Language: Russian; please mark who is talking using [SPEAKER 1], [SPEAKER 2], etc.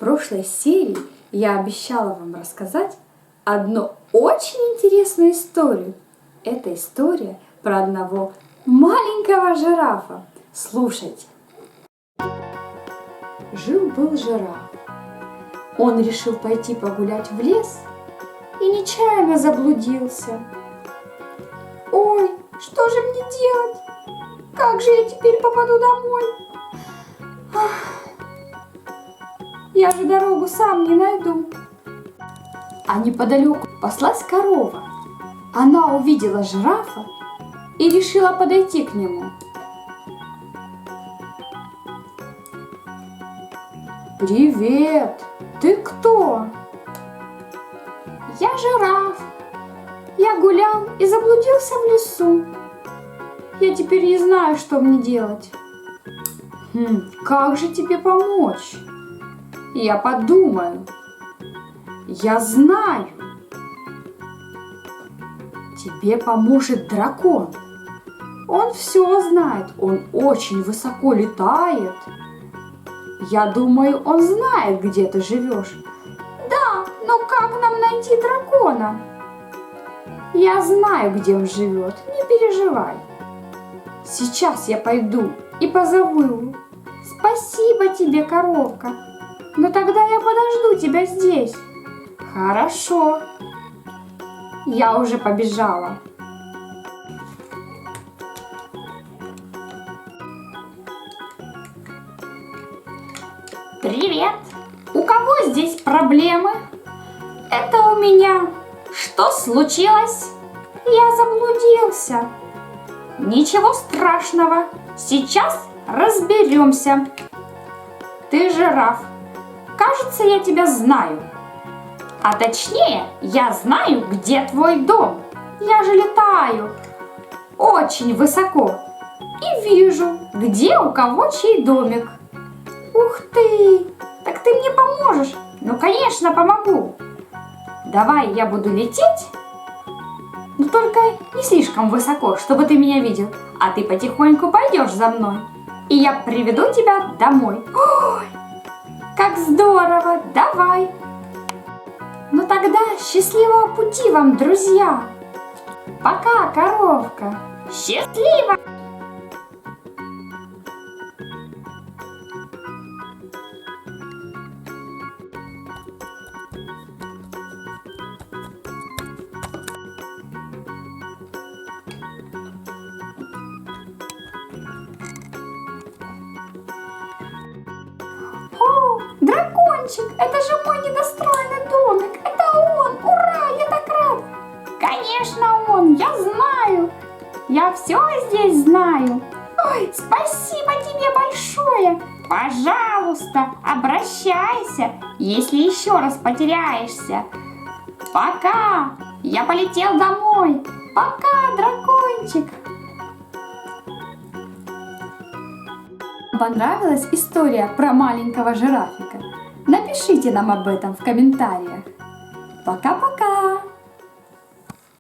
[SPEAKER 1] прошлой серии я обещала вам рассказать одну очень интересную историю. Это история про одного маленького жирафа. Слушайте. Жил-был жираф. Он решил пойти погулять в лес и нечаянно заблудился. Ой, что же мне делать? Как же я теперь попаду домой? Я же дорогу сам не найду. А неподалеку паслась корова. Она увидела жирафа и решила подойти к нему. «Привет! Ты кто?» «Я жираф. Я гулял и заблудился в лесу. Я теперь не знаю, что мне делать». «Как же тебе помочь?» «Я подумаю. Я знаю. Тебе поможет дракон. Он все знает, он очень высоко летает. Я думаю, он знает, где ты живешь». «Да, но как нам найти дракона?» «Я знаю, где он живет, не переживай. Сейчас я пойду и позову его». «Спасибо тебе, коровка, но тогда я подожду тебя здесь». «Хорошо, я уже побежала». «Привет! У кого здесь проблемы?» «Это у меня. Что случилось?» «Я заблудился». «Ничего страшного, сейчас разберемся. Ты жираф. Кажется, я тебя знаю. А точнее, я знаю, где твой дом. Я же летаю очень высоко и вижу, где у кого чей домик». «Ух ты! Так ты мне поможешь?» «Ну, конечно, помогу. Давай я буду лететь, но только не слишком высоко, чтобы ты меня видел, а ты потихоньку пойдешь за мной, и я приведу тебя домой». «Ой, как здорово! Давай!» «Ну тогда счастливого пути вам, друзья!» «Пока, коровка!» «Счастливо!» «О, дракончик, это же мой недостроенный домик, это он, ура, я так рад!» «Конечно он, я знаю, я все здесь знаю». «Ой, спасибо тебе большое, пожалуйста, обращайся, если еще раз потеряешься. Пока, я полетел домой, пока, дракончик». Понравилась история про маленького жирафика? Напишите нам об этом в комментариях. Пока-пока!